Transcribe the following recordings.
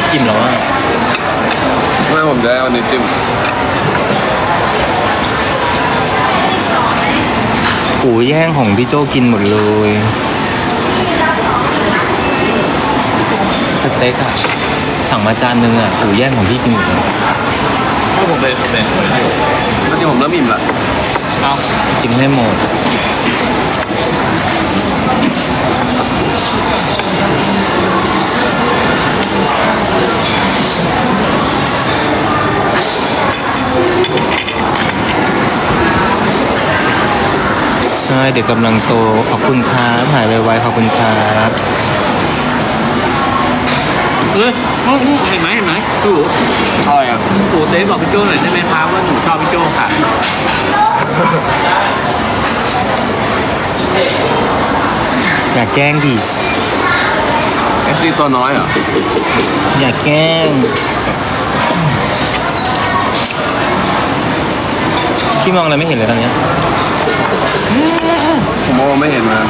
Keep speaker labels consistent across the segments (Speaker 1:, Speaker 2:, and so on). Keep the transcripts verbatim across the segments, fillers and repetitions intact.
Speaker 1: อิ่มแล้วอ่ะ
Speaker 2: ไม่ผมจะได้เอานิ้วจิ้ม
Speaker 1: กูแย่งของพี่โจกินหมดเลยสเต็กอะสั่งมาจานนึงอะกูแย่งของพี่กินหมดเลย
Speaker 3: ถ้าผมเป็นผมเป็นคนที่อยู่
Speaker 2: จริงผมเริ่มอิ่มละ
Speaker 3: เอา
Speaker 1: กินให้หมดใช่เด็กกำลังโตขอบคุณครับหายไวๆขอบคุณครับ
Speaker 3: เฮ้ยเห็นไหมเห็นไหมตู่
Speaker 2: อะไรอ่ะ
Speaker 3: ตู่เต้บอกพี่โจ้หน่อยได้ไหมครับว่าหนูชอบพี่โจ้ค่ะ
Speaker 1: อย่าแกล้งดิ
Speaker 2: เอฟซีตัวน้อยเหรอ
Speaker 1: อย่าแกล้งพี่มองอะไรไม่เห็นเลยตอนนี้
Speaker 2: ผมมองไม่เห็นมัน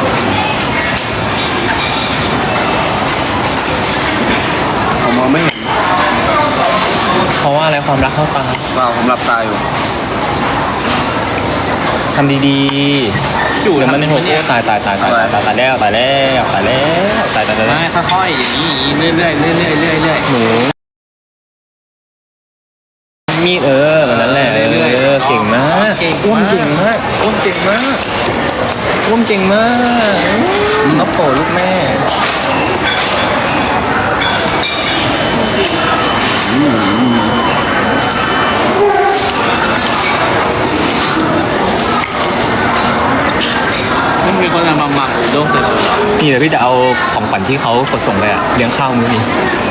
Speaker 2: ผมมองไม่เห็น
Speaker 1: เพราะว่าอะไรความรักเข้าตา
Speaker 2: เปล่าผมหลับตาอยู่
Speaker 1: ทำดีๆอยู่แล้วมันในหัวโอ้ตายตายตายตายตายตายแล้วตายแล้วตายแล้วตายตายตาย
Speaker 3: ไม่ค่อยๆอย่างนี้เรื่อยๆเรื่อยๆเรื่อยๆเรื่อยๆ
Speaker 1: หนูมีดเออแบบนั้นแหละเออเก่งมากอ้วมเก่งมากอ้วมเก่งมากอ้วมเก่งมากน้องโปลูกแม่
Speaker 3: ไม่มีคนมาหมักอุด้งเลย
Speaker 1: นี่เดี๋ยวพี่จะเอาของฝันที่เขากดส่งไปอะเลี้ยงข้าวมื้อนี้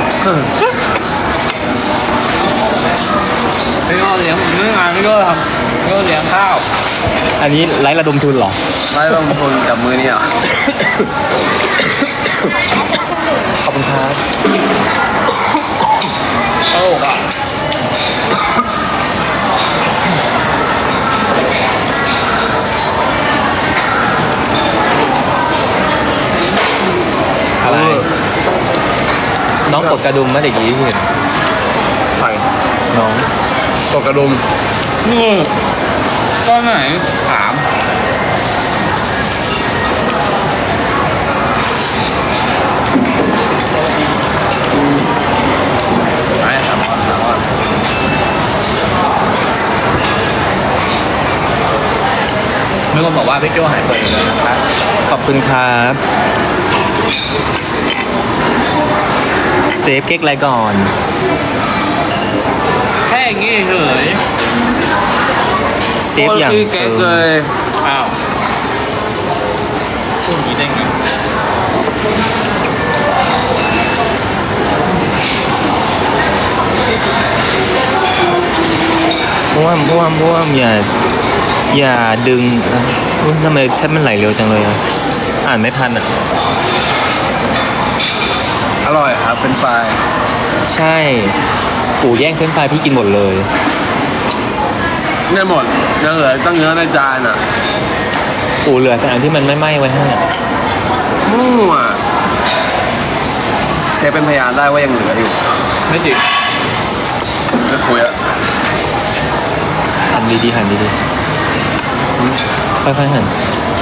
Speaker 3: พี่ก็เลี้ยงเรื่องงานพี่ก็ทำพี่ก็เลี้ยงข้าว
Speaker 1: อันนี้ไร้ระดมทุนหรอ
Speaker 2: ไร้ระดมทุนกับมือนี่อ่ะ
Speaker 1: ขอบคุณครับ
Speaker 3: โอ้ค่ะ
Speaker 1: อะไรน้องกดกระดุมมาเด็กยี่เห็น
Speaker 2: ใคร
Speaker 1: น้อง
Speaker 2: กดกระดุม
Speaker 3: นี่ก็ไหนถาม
Speaker 2: ไอ้ถามว่าถามว่า
Speaker 3: มีคนบอกว่าพี่โจ้หายป่วยอยู่แล้วนะครับ
Speaker 1: ขอบคุณครับเซฟเก๊กอะไรก่อน
Speaker 3: แค่อย่างงี้เฉย
Speaker 1: เซฟอย่าง
Speaker 2: เก๊กเลย
Speaker 3: อ้าวพูดอย่างนี้ได้ไง
Speaker 1: บ้วมบ้วมบ้วมอย่าอย่าดึงอุ้ยทำไมแชทมันไหลเร็วจังเลยอ่ะอ่านไม่ทันอ่ะ
Speaker 2: อร่อยครับเป็นปลาย
Speaker 1: ใช่ปู่แย่งเฟรนช์ฟรายพี่กินหมดเลย
Speaker 2: เนี่ยหมดยังเหลือตั้งเยอะในจานอ่ะ
Speaker 1: ปู่เหลือแต่อันที่มันไม่ไหม้ไว้ให้
Speaker 2: มั่วเชฟเป็นพยานได้ว่ายังเหลืออยู่
Speaker 3: ไม่จริง
Speaker 2: ไม่คุยอะ
Speaker 1: หั่นดีๆหั่นดีๆค่อยๆหั่น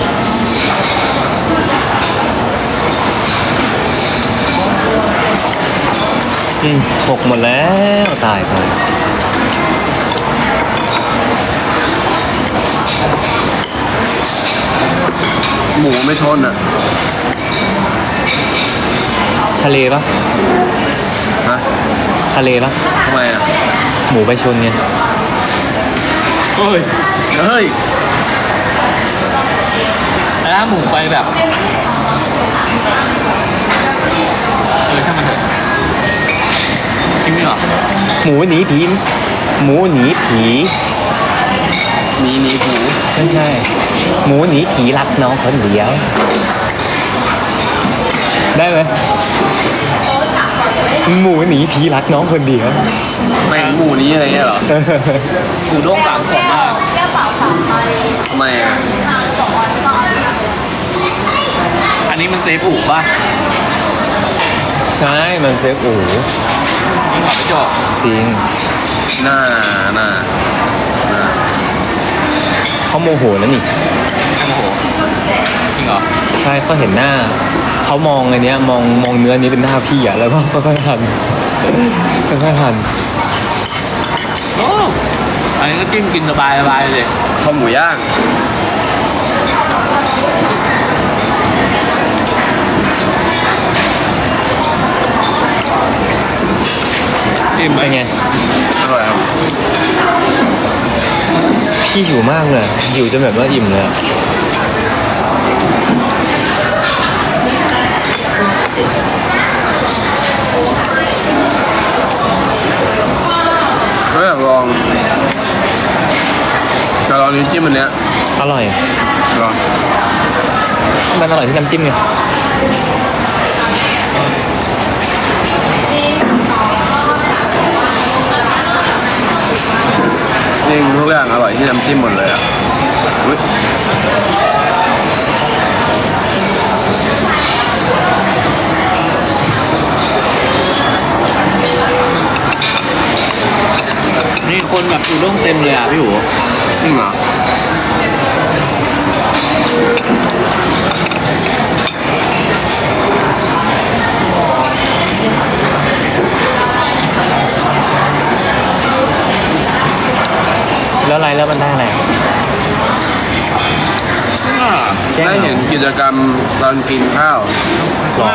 Speaker 1: อืมหกหมดแล้วตายตาย
Speaker 2: หมูไม่ชนอ่ะ
Speaker 1: ทะเลปะ
Speaker 2: ฮะ
Speaker 1: ทะเลปะ
Speaker 2: ทำไมอ่ะ
Speaker 1: หมูไปชนไง
Speaker 3: เฮ้ย
Speaker 2: เฮ้ย
Speaker 3: แล้วหมูไปแบบเออช่างมันเถอะจริงไหมหรอ
Speaker 1: หมูหนีผีหมูหนีผี
Speaker 2: หนีหนีผี
Speaker 1: ไม่ใช่หมูหนีผีรักน้องคนเดียวได้ไหมหมูหนีผีรักน้องคนเดียว
Speaker 2: ไม่หมูนี้อะไรเงี้ยเหรอ
Speaker 3: หมูด้งสามขวดมาก
Speaker 2: ทำไมอ่ะ
Speaker 3: อันนี้มันเซฟอู่ป่ะ
Speaker 1: ใช่มันเซฟโอ้โห
Speaker 3: ยิ่งกว่าไม่จบ
Speaker 1: จริง
Speaker 2: หน้าหน้าหน้า
Speaker 1: เขาโมโหแล้วนี่
Speaker 3: โอ้โหจริงเหรอ
Speaker 1: ใช่เขาเห็นหน้าเขามองอันเนี้ยมองมองเนื้อนี้เป็นหน้าพี่อ่ะแล้วก็ค่อยๆหันค่อยๆหัน
Speaker 3: โอ้อันนี้ก็จิ้มกินสบายสบายเลย
Speaker 2: ข้าวหมูย่าง
Speaker 3: จิ้มไหม
Speaker 1: เป็นไง
Speaker 2: อร่อยครับ
Speaker 1: พี่หิวมากเลยหิวจนแบบว่าอิ่มเลยอะ
Speaker 2: ก็อยากลองแต่ลองนี้วจิ้มอันเนี้ย
Speaker 1: อร่อย
Speaker 2: ลอง
Speaker 1: มันอร่อยที่น้ำจิ้มไง
Speaker 2: จริงทุกอย่างอร่อยที่น้ำจิ้มหมดเลยอ่ะอุ๊ย
Speaker 3: นี่คนแบบอยู่ร่วงเต็มเลยอ่ะพี่หู
Speaker 2: จริงเหรอ
Speaker 1: แล้วอะไรแล้วมันได้อะไร แจ้ง
Speaker 2: ได้เห็นกิจกรรมตอนกินข้าว
Speaker 1: หรอ
Speaker 3: ว่า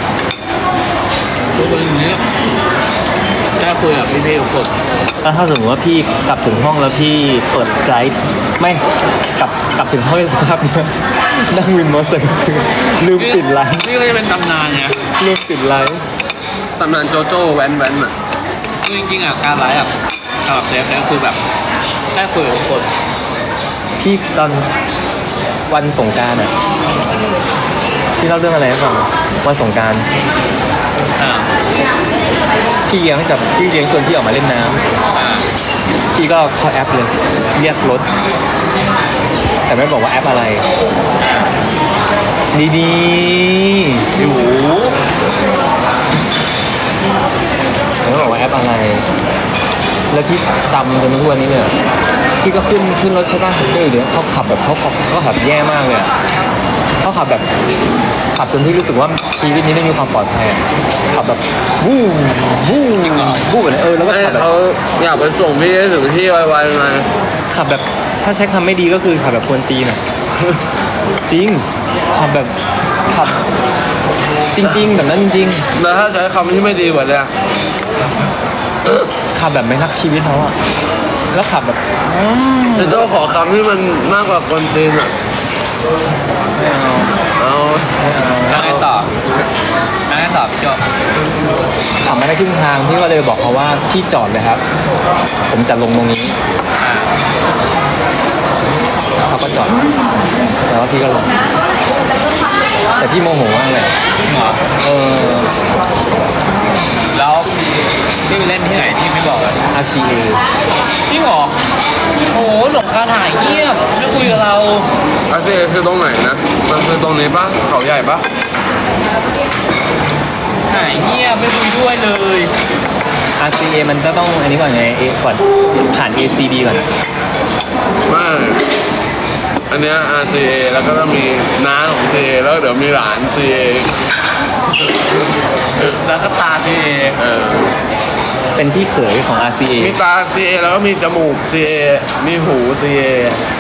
Speaker 3: ตัวเป็นอย่างนี้ได้คุยกับพี่ๆทุกคน
Speaker 1: แล้วถ้าสมมติว่าพี่กลับถึงห้องแล้วพี่เปิดไลฟ์ไม่กลับกลับถึงห้องในสภาพเนี้ยนั่งวินมอเตอร์ไซค์ลืมปิดไลฟ์
Speaker 3: นี่ก็จะเป็นตำนานไง
Speaker 1: ลืมปิดไลฟ์
Speaker 2: ตำนานโจโจ้แว้นแว้นอ่ะ
Speaker 3: คือจริงๆอ่ะการไลฟ์อ่ะสำหรับเซฟเนี่ยคือแบบได้คุยกับทุกคน
Speaker 1: พี่ตอนวันสงกรานต์อ่ะพี่เล่าเรื่องอะไรให้ฟังวันสงกรานต์
Speaker 3: อ่า
Speaker 1: พี่เลี้ยงจับพี่เลี้ยงชวนพี่ออกมาเล่นน้ำ
Speaker 3: อ่า
Speaker 1: พี่ก็เข้าแอปเลยเรียกรถ แต่ไม่บอกว่าแอปอะไร ดีๆอยู่ไม่บอกว่าแอปอะไร แล้วพี่จำจนทุกวันนี้เนี่ยพี่ก็ขึ้นขึ้นรถใช่ป่ะเดี๋ยวเขาขับแบบเขาขับเขาขับแย่มากเลยอะเขาขับแบบขับจนที่รู้สึกว่าชีวิตนี้ไม่มีความปลอดภัยอะขับแบบวู้วู้วู้แบบนี้เออแล้วก็
Speaker 2: ให้
Speaker 1: ขับแบบ
Speaker 2: เขาอยากไปส่งพี่ให้ถึงที่ไวๆไง
Speaker 1: ขับแบบถ้าใช้คำไม่ดีก็คือขับแบบควรตีนอ่ะ จริงขับแบบขับ จริง ๆ แบบนั้นจริง
Speaker 2: แล้วถ้าใช้คำที่ไม่ดีกว่าเนี้ย
Speaker 1: ๆขับแบบไม่รักชีวิตเขาอ่ะแล้วขับแบบอืม
Speaker 2: จะต้องขอคำที่มันมากกว่าคนตีนอ่ะ
Speaker 1: ไม่เอา
Speaker 2: เอา
Speaker 1: ไม่เอา
Speaker 3: แล้วไงต่อแล้วไงต่อพี่โจ
Speaker 1: ขับมาได้ครึ่งทางพี่ก็เลยบอกเขาว่าพี่จอดเลยครับ ผมจะลงตรงนี้
Speaker 3: อ่า
Speaker 1: เขาก็จอดแล้วพี่ก็ลงแต่พี่โมโหมากเลย
Speaker 3: จริงเหรอ
Speaker 1: เออ
Speaker 3: แล้วพี่ไปเล่นที่ไหนที่ไม่บอกอ่ะ
Speaker 1: อาร์ ซี เอ
Speaker 3: จริงเหรอโอ้โหหลงคาถ่ายเงียบไม่คุยกับเรา
Speaker 2: อาเซีคือตรงไหนนะ มันคือตรงนี้ปะเขาใหญ่ปะ
Speaker 3: หายเงียบไม่คุยด้วยเลย
Speaker 1: อาร์ ซี เอ มันจะต้องอันนี้ก่อนไงเอก่อนผ่าน เอ ซี บี ก่อนอะ
Speaker 2: ไม่ อันเนี้ย อาร์ ซี เอ แล้วก็ต้องมีน้าของ ซี เอ แล้วเดี๋ยวมีหลาน ซี เอ
Speaker 3: แล้วก็ตาพี่เอ
Speaker 2: เออ
Speaker 1: เป็นพี่เขยของ อาร์ ซี เอ
Speaker 2: มีตา ซี เอ แล้วก็มีจมูก ซี เอ มีหู ซี เอ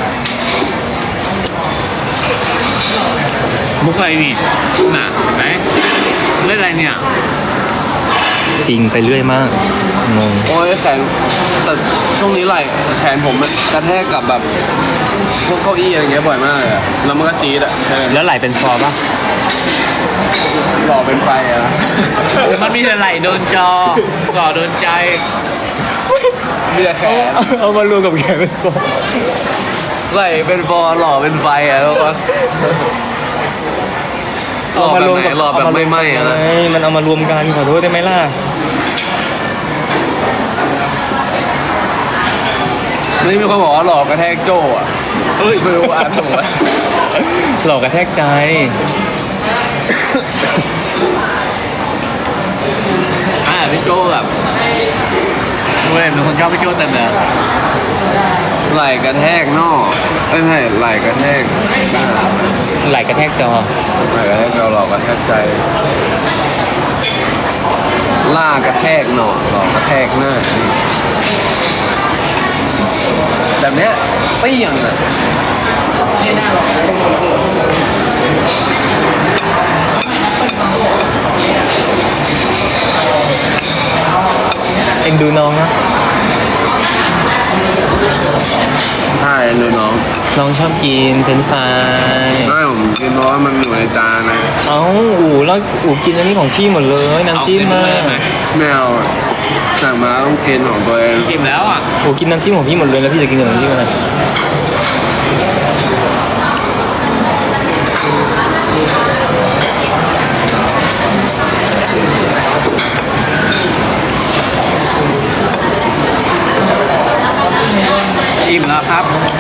Speaker 3: มุกอะไรนี่น่ะเห็นไหมเล่นอะไรเนี่ย
Speaker 1: จริงไปเรื่อยมากงง
Speaker 2: โอ้ยแขนแต่ช่วงนี้ไหล่แขนผมมันกระแทกกับแบบพวกเก้าอี้อะไรเงี้ยบ่อยมากเลยอะแล้วมันก็จี๊ดอะใช่
Speaker 1: แล้วไหลเป็นฟอร์ป่ะ
Speaker 2: หล่อเป็นไฟอะนะ
Speaker 3: มันมีแต่ไหลโดนจอก่อโดนใจ
Speaker 2: มีแต่แขน
Speaker 1: เอาเอามารวมกับแขนเป็นฟอร์
Speaker 2: ไหล่เป็นฟอร์หล่อเป็นไฟอะทุกคนหล่อแบบไหนหล่อแบบไม่ไหม้อะนะ
Speaker 1: ไม่มันเอามารวมกันขอโทษได้ไหมล่ะ
Speaker 2: นี่มีคนบอกว่าหล่อกระแทกโจ้อะเฮ้ยไม่รู้อ่านถูกไหม
Speaker 1: หลอกกระแทกใจ
Speaker 3: พี่โจ้แบบเว้ยเป็นคนชอบพี่โจ้เต็มเลย
Speaker 2: ไหล่กระแทกนอกไม่ใช่ไหล่กระแทกหน้า
Speaker 1: ไหลกระแทกจอ
Speaker 2: ไหล่กระแทกเราหลอกกระแทกใจล่ากระแทกหนอกหลอกกระแทกหน้าแบบเนี้ยเปี้ยงอ่ะนี่หน้าหรอก
Speaker 1: เอ็นดูน้องนะ
Speaker 2: ใช่ดูน้อง
Speaker 1: น้องชอบกินเฟรนช์ฟราย
Speaker 2: ไม่ผมกินเพราะว่ามันอยู่ในจานนะ
Speaker 1: เอ้าอู๋แล้วอู๋กินอันนี้ของพี่หมดเลยน้ำจิ้มมา
Speaker 2: ไม่เอาอะสั่งมาต้องกินของตัวเอง
Speaker 3: กินแล้วอ่ะ
Speaker 1: อู๋กินน้ำจิ้มของพี่หมดเลยแล้วพี่จะกินกับน้ำจิ้มอะไร
Speaker 3: อิ่มแล้วครับ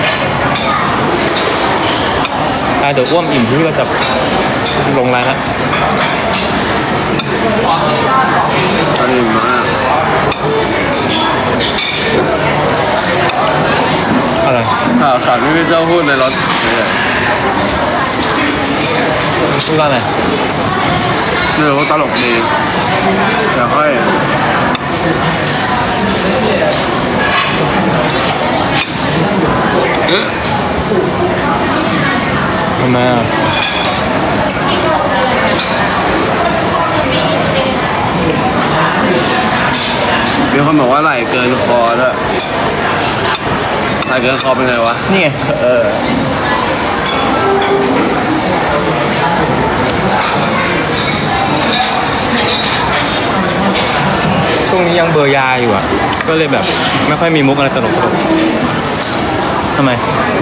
Speaker 1: อ่ะเดี๋ยวอ้วมอิ่มพี่ก็จะลงไลน์ละ
Speaker 2: อร่อยมาก
Speaker 1: อะไร
Speaker 2: ข่าวสารที่พี่เจ้าพูดในรถเนี่ย
Speaker 1: พูดว่าอะไร
Speaker 2: เรื่องว่าตลกดีเดี๋ยวค่อย
Speaker 3: เอ๊ะ
Speaker 1: ทำไมอ่ะ
Speaker 2: มีคนบอกว่าไหลเกินคอด้วยไหลเกินคอเป็นไงวะ
Speaker 1: นี่ไง
Speaker 2: เออ
Speaker 1: ช่วงนี้ยังเบอร์ยาอยู่อ่ะก็เลยแบบไม่ค่อยมีมุกอะไรตลกตลกทำไม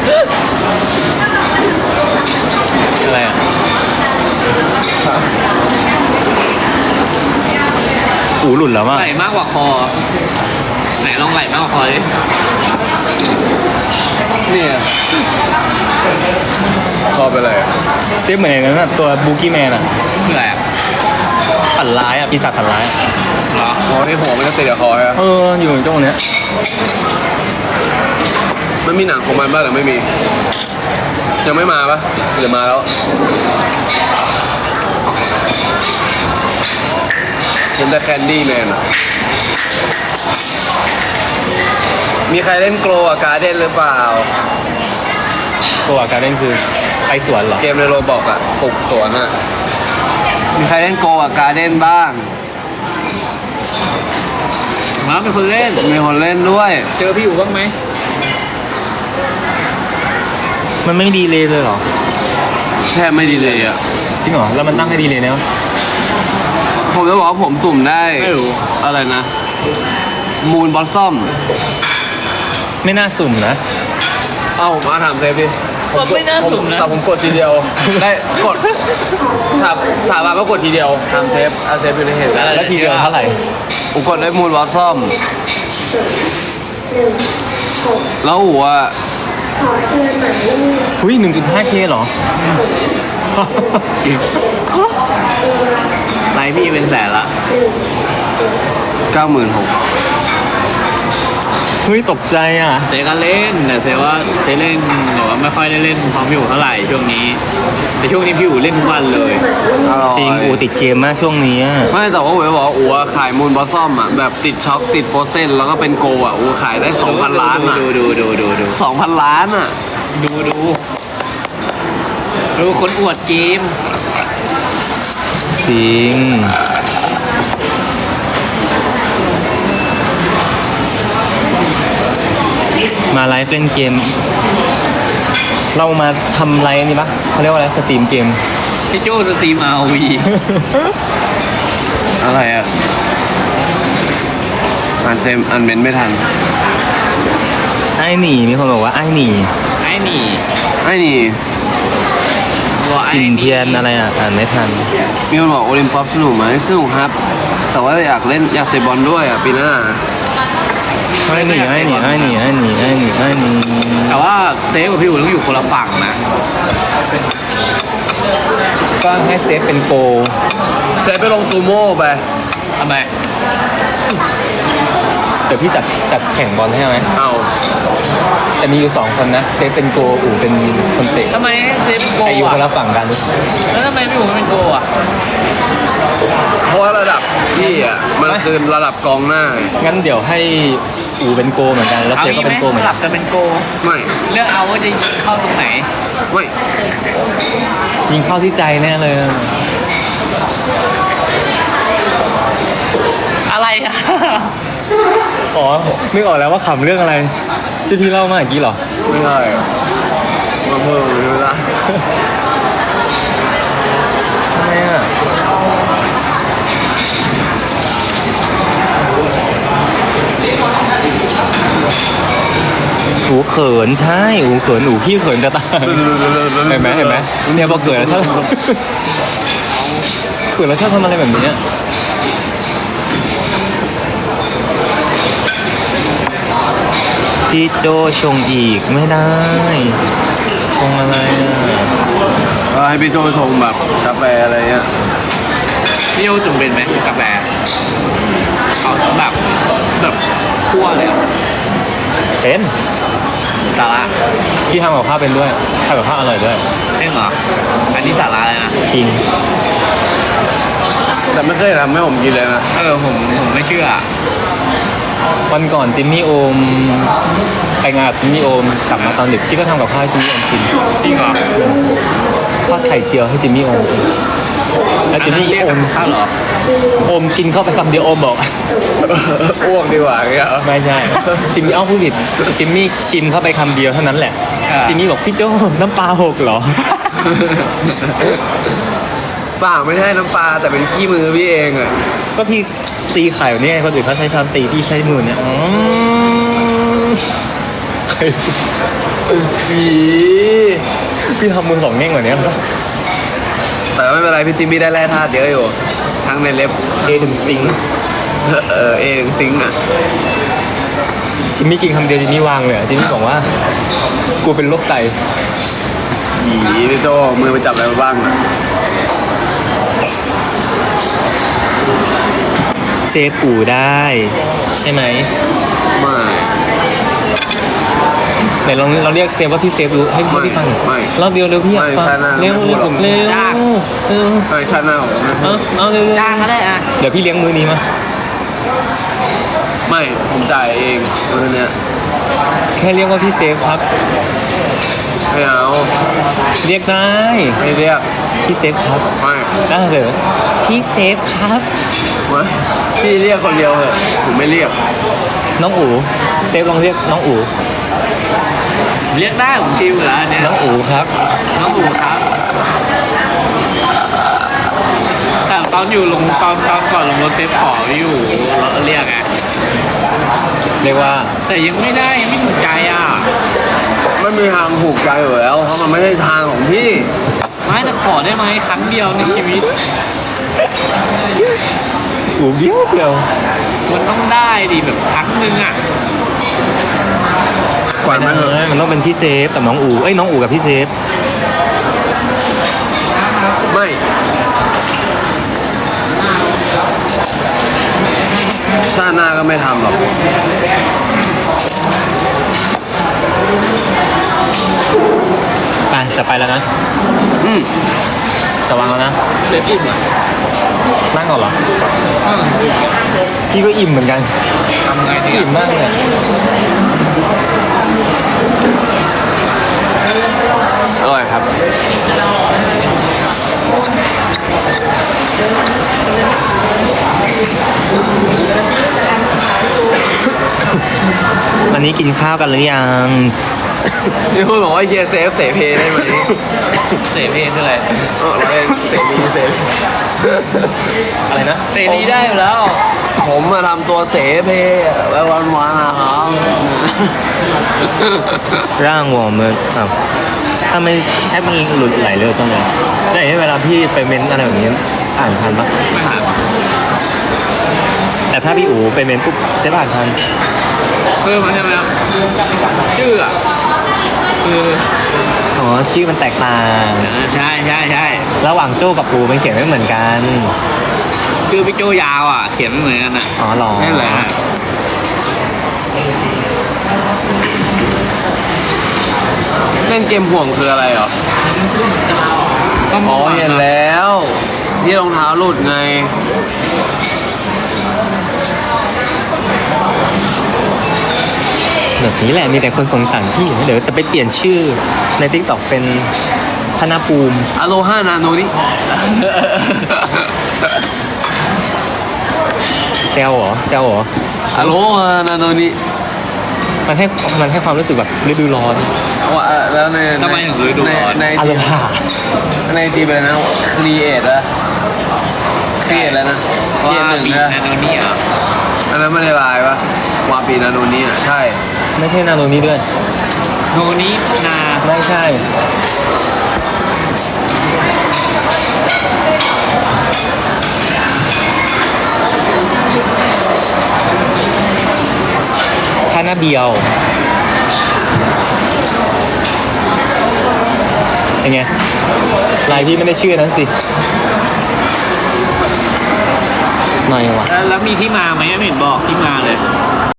Speaker 1: อะไรอ่ะอูหลุดแล้วมั้ง
Speaker 3: ไหลมากกว่าคอ ไหนลองไหลมากกว่าคอดิ
Speaker 2: เนี่ยคอเป็นไรอะ
Speaker 1: เซฟเหมือนอย่างนั้นอะตัวบูกี้แมนอ่ะ
Speaker 3: คืออะไรอ่ะ
Speaker 1: ฝันร้ายอ่ะปีศาจฝันร้ายอะ
Speaker 3: เหรอ
Speaker 2: คอที่หัวมันจะติดกับคอใช่ไหม
Speaker 1: เอออยู่ตรงเนี้ย
Speaker 2: มันมีหนังของมันบ้างหรือไม่มี ยังไม่มาปะหรือมาแล้วเห็นแต่แคนดี้แมนอะมีใครเล่นโกลกับการ์เด้นหรือเปล่า
Speaker 1: ตัวการเล่นคือไปสวนเหรอ
Speaker 2: เกมในโรบอกอะปลูกสวนอะมีใครเล่นโกลกับการ์เด้นบ้าง
Speaker 3: มาเป็นคนเล่น
Speaker 2: มีคนเล่นด้วย
Speaker 3: เจอพี่อยู่บ้างไหม
Speaker 1: มันไม่ดีเลยเลยเหรอ
Speaker 2: แทบไม่ดีเลยอะ
Speaker 1: จริงเหรอแล้วมันตั้งให้ดีเลยเนี่ย
Speaker 2: ผมจะบอกว่าผมสุ่มได้
Speaker 3: ไม่รู้
Speaker 2: อะไรนะ มูนบอสซัม
Speaker 1: ไม่น่าสุ่มนะ
Speaker 2: เอ้ามาถามเซฟดิ
Speaker 3: ก็ไม่น่าสุ่มนะ
Speaker 2: แต่ผมกดทีเดียว ได้กดถามถามมาว่ากดทีเดียวถามเซฟอาเซฟอยู่ในเหตุการณ์
Speaker 1: แล้วทีเดียวเท่าไหร่
Speaker 2: ผมกดได้มูนบอสซัมแล้วหัว
Speaker 1: หุ้ย หนึ่งจุดห้าเค เหรอ
Speaker 3: ไลฟ์พี่เป็นแสนละ
Speaker 2: เก้าหมื่นหก
Speaker 1: เฮ้ย ตกใจอ่ะ
Speaker 3: เซก็เล่นแต่เซว่าเซเล่นแต่ว่าไม่ค่อยได้เล่นพร้อมพี่อู๋เท่าไหร่ช่วงนี้ แต่ช่วงนี้พี่อู๋เล่นทุกวันเลย
Speaker 1: จริง อูติดเกมมากช่วงนี้อะ
Speaker 2: ไม่แต่ว่าผมจะบอกว่าอัวขายมูนบอสซัมอ่ะแบบติดช็อคติดโฟเซนแล้วก็เป็นโกอ่ะอัวขายได้สองพันล้านอ่ะ
Speaker 3: ดูดูดูดูดู
Speaker 2: สองพันล้านอ่ะ
Speaker 3: ดูดูดูคนอวดเกม
Speaker 1: จริง มาไลฟ์เล่นเกม เรามาทำไรนี่ปะเขาเรียกว่าอะไรสตรีมเกม
Speaker 3: พี่โจ้สตรีมอาร์วี
Speaker 2: อะไรอ่ะอ่านเซมอ่านเมนไม่ทัน
Speaker 1: ไอ้หนีมีคนบอกว่าไอ้หนี
Speaker 3: ไอ้นี่
Speaker 2: ไอ้นี่
Speaker 3: บอกไอ้
Speaker 1: จินเทียนอะไรอ่ะอ่านไม่ทัน
Speaker 2: มีคนบอกโอลิมปัสสนุกไหมสนุกครับ แต่ว่าอยากเล่นอยากเตะบอลด้วยอ่ะปีหน้า
Speaker 1: ไอ้หนีไอ้หนีไอ้หนีไอ้หนีไอ้หนีไอ้หนี
Speaker 3: แต่ว่าเซฟกับพี่อู๋ต้องอยู่คนละฝั่งนะ
Speaker 1: ก็ให้เซฟเป็นโก
Speaker 2: เซฟไปลงซูโม่ไป
Speaker 3: ทำไม
Speaker 1: เดี๋ยวพี่จัดจัดแข่งบอลให้ไหม
Speaker 2: เอา
Speaker 1: แต่มีอยู่สองคนนะเซฟเป็นโกอู๋เป็นคนเตะ
Speaker 3: ทำไมเซฟเป็นโก
Speaker 1: แต่อยู่คน
Speaker 3: อ่ะ
Speaker 1: ละฝั่งกัน
Speaker 3: แล้วทำไมพี่อู๋ไม่เป็นโกอ่ะ
Speaker 2: เพราะว่าระดับพี่อ่ะมันคือระดับกองหน้าไง
Speaker 1: งั้นเดี๋ยวให้อู๋เป็นโกเหมือนกันแล้ว
Speaker 3: เอา
Speaker 1: เซฟ
Speaker 3: งี้
Speaker 1: ก็
Speaker 3: ไหม
Speaker 1: เป็นโกเหมือน
Speaker 3: ส
Speaker 1: กั
Speaker 3: ลั
Speaker 1: น
Speaker 3: บกันเป็นโก
Speaker 2: ไม่
Speaker 3: เลือกเอาว่าจะยิงเข้าตรงไหน
Speaker 2: ไม่
Speaker 1: ยิงเข้าที่ใจแน่เลย
Speaker 3: อะไรอ่ะ
Speaker 1: อ๋อนึกออกแล้วว่าขำเรื่องอะไรที่พี่เล่ามาเมื่อกี้เหรอ
Speaker 2: ไม่ใช่มาเพิ่มไม่ได้
Speaker 1: ทำไมอ่ะอูเขินใช่อูเขินอูพี่เขินจะตายเห็นไหมเห็นไหมเนี่ยพอเขินแล้วชอบเขินแล้วชอบทำอะไรแบบนี้อะพี่โจชงอีกไม่ได้ ชงอะไรอ่ะ
Speaker 2: ก็ให้พี่โจชงแบบกาแฟอะไรเงี้ย
Speaker 3: พี่โอจุ่มเป็นไหมกาแฟเอาแบบแบบคั่วเลยอะ
Speaker 1: เป็น
Speaker 3: สาระ
Speaker 1: พี่ทำกับข้าวเป็นด้วยทำกับข้าวอร่อยด้วย
Speaker 3: เร่งเหรอ อันนี้สาระเลยนะ
Speaker 1: จริง
Speaker 2: แต่ไม่เคยทำให้ผมกินเลยนะ
Speaker 3: เออผมผมไม่เชื่อ
Speaker 1: วันก่อนจิมมี่โอมไปงานกับจิมมี่โอมกลับมาตอนดึกพี่ก็ทำกับข้าวให้จิมมี่โอมกิน
Speaker 3: จริงเหรอ
Speaker 1: ทอดไข่เจียวให้จิมมี่โอมกินแล้วจิมมี่
Speaker 3: เรียก
Speaker 1: โอ
Speaker 3: กับ
Speaker 1: ม
Speaker 3: ข้าวเหรอ
Speaker 1: โอมกินเข้าไปคำเดียวโอมบอก
Speaker 2: อ้วกดีกว่าเงี้ย
Speaker 1: ไม่ใช่จิมมี่เอาผู้ผิดจิมมี่ชิมเข้าไปคำเดียวเท่านั้นแหละ
Speaker 3: อ่า
Speaker 1: จิมมี่บอกพี่โจน้ำปลาหกเหรอ
Speaker 2: เปล่าไม่ใช่น้ำปลาแต่เป็นขี้มือพี่เองอ่ะ
Speaker 1: ก็พี่ตีไข่แบบนี้ไงคนอื่นเขาใช้ช้อนตีพี่ใช้มือเนี่ยอืมไข่
Speaker 2: ผี
Speaker 1: พี่ทำมือสองแง่งกว่านี้
Speaker 2: แต่ไม่เป็นไรพี่จิมมี่ได้แร่ธาตุเยอะอยู่ ทั้งในเล็บ
Speaker 1: เอถึงซิงค์
Speaker 2: เออเอถึงซิงค์อ่ะ
Speaker 1: จิมมี่กินคำเดียวจิมมี่วางเลยอะจิมมี่บอกว่ากูเป็นโรคไต
Speaker 2: ผีพี่โจมือไปจับอะไรมาบ้างอ่ะ
Speaker 1: เซฟอูได้ ใช่ไหม
Speaker 2: ไม่
Speaker 1: ไหนลองเราเรียกเซฟว่าพี่เซฟดูให้พี่พี่ฟังหน่อย
Speaker 2: ไม่
Speaker 1: รอบเดียวเร็วพี่อยากฟัง
Speaker 2: ไม่ใช่นะ
Speaker 1: เร็ว
Speaker 2: ไม่พูดหรอก
Speaker 1: เร็ว
Speaker 3: จ้าง
Speaker 1: เร็ว
Speaker 2: ไม่ชาติหน้าผมไม่พู
Speaker 1: เอา
Speaker 2: ด
Speaker 1: เอาเร็ว
Speaker 3: จ้างก็ได้อ่ะ
Speaker 1: เดี๋ยวพี่เลี้ยงมื้อนี้มา
Speaker 2: ไม่ผมจ่ายเองมือเนี้ย
Speaker 1: แค่เรียกว่าพี่เซฟครับ
Speaker 2: ไม่เอา
Speaker 1: เรียกได้
Speaker 2: ไม่เรียก
Speaker 1: พี่เซฟครับ
Speaker 2: ไม่
Speaker 1: น่าเสนอพี่เซฟครับ
Speaker 2: ไม่พี่เรียกคนเดียวเหอะผมไม่เรียก
Speaker 1: น้องอูเซฟลองเรียกน้องอู
Speaker 3: เรียกได้ผมชิลอยู่แล้วอันเนี่ย
Speaker 1: น้องอูครับ
Speaker 3: น้องอูครับ แต่ตอนอยู่ลงตอนตอนก่อนลงรถเซฟขอพี่อยู่เรียกไง
Speaker 1: เรียกว่า
Speaker 3: แต่ยังไม่ได้ยังไม่ถูกใจอ่ะ
Speaker 2: ไม่มีทางถูกใจอยู่แล้วเพราะมันไม่ใช่ทางของพี่
Speaker 3: ไม่แต่ขอได้ไหมครั้งเดียวในชีวิต
Speaker 1: อูเบี้ยวเดียว
Speaker 3: มันต้องได้ดิแบบครั้งหนึ่งอ่ะ
Speaker 2: กว่ามันเถอะ
Speaker 1: มันต้องเป็นพี่เซฟกับน้องอูเอ้ยน้องอูกับพี่เซฟ
Speaker 2: ไม่ชาติหน้าก็ไม่ทำหรอก
Speaker 1: ไปจะไปแล้วนะ
Speaker 2: อืม
Speaker 1: จะวางแล้วนะ
Speaker 3: เซฟอิ่มอ่ะ
Speaker 1: นั่งก่อนเหรอพี่ก็อิ่มเหมือนกัน
Speaker 3: ทำไงดี
Speaker 1: อิ่มมากเลยอะ
Speaker 2: อร่อยครับ
Speaker 1: วันนี้กินข้าวกันหรือยัง
Speaker 2: นี่คุณบอกว่าเฮียเซฟเสเพได้ไหม
Speaker 3: เสพเพลงคืออะไร
Speaker 2: เออเราเล่นเสรีเสรี
Speaker 1: อะไรนะ
Speaker 3: เสรีได้อยู่แล้ว
Speaker 2: ผมมาทำตัวเสเพไว้วันวานๆนะครับ
Speaker 1: ร่างวอร์มเลยครับถ้าไม่ใช้มันหลุดไหลเร็วจังเลยได้เห็นเวลาพี่ไปเม้นอะไรแบบนี้อ่านทันปะ
Speaker 3: ไม่หา
Speaker 1: แต่ถ้าพี่อูไปเม้นปุ๊บเซฟอ่านทัน
Speaker 3: คือมันใช่ไหมครับชื่ออ่ะคือ
Speaker 1: อ๋อชื่อมันแตกต่าง
Speaker 3: เออใช่ใช่ใช่
Speaker 1: ระหว่างโจ้กับอูมันเขียนไม่เหมือนกัน
Speaker 3: ชื่อพี่โจยาวอ่ะ เขียนไม่เหมือนกันอ่ะ
Speaker 1: อ๋อเหรอ
Speaker 3: นั่นแหละ
Speaker 2: เล่นเกมห่วงคืออะไรเหรอ
Speaker 3: ก็
Speaker 2: อ๋อเห็นแล้วที่รองเท้าหลุดไง
Speaker 1: แบบนี้แหละมีแต่คนสงสารพี่เดี๋ยวจะไปเปลี่ยนชื่อในทิกตอกเป็นธนภูมิ
Speaker 2: อโลฮานาโนนี่
Speaker 1: เซลเหรอเซลเหรอ
Speaker 2: อโลฮานาโนนี่
Speaker 1: มันให้มันให้ความรู้สึกแบบฤดูร้อน
Speaker 2: ว่าแล้วใน
Speaker 3: ทำไมถึงฤดูร้อน
Speaker 2: ใน
Speaker 1: อารมณ์หา
Speaker 2: ในจีเป็นอะไรนะครีเอทอะครีเอทแล้วนะครีเอทหนึ่ง
Speaker 3: ปี
Speaker 2: นะ
Speaker 3: นาโนนี่อ่ะ
Speaker 2: อันนั้นไม่ได้ลายปะวาปีนาโนนี่อะใช่
Speaker 1: ไม่ใช่นาโนนี้ด้วย
Speaker 3: โนนี้นา
Speaker 1: ไม่ใช่คานาเบียวเป็นไงลายพี่ไม่ได้ชื่อนั้นสิหน่อยวะ
Speaker 3: แล้วแล้วมีที่มาไหมไม่เห็นบอกที่มาเลย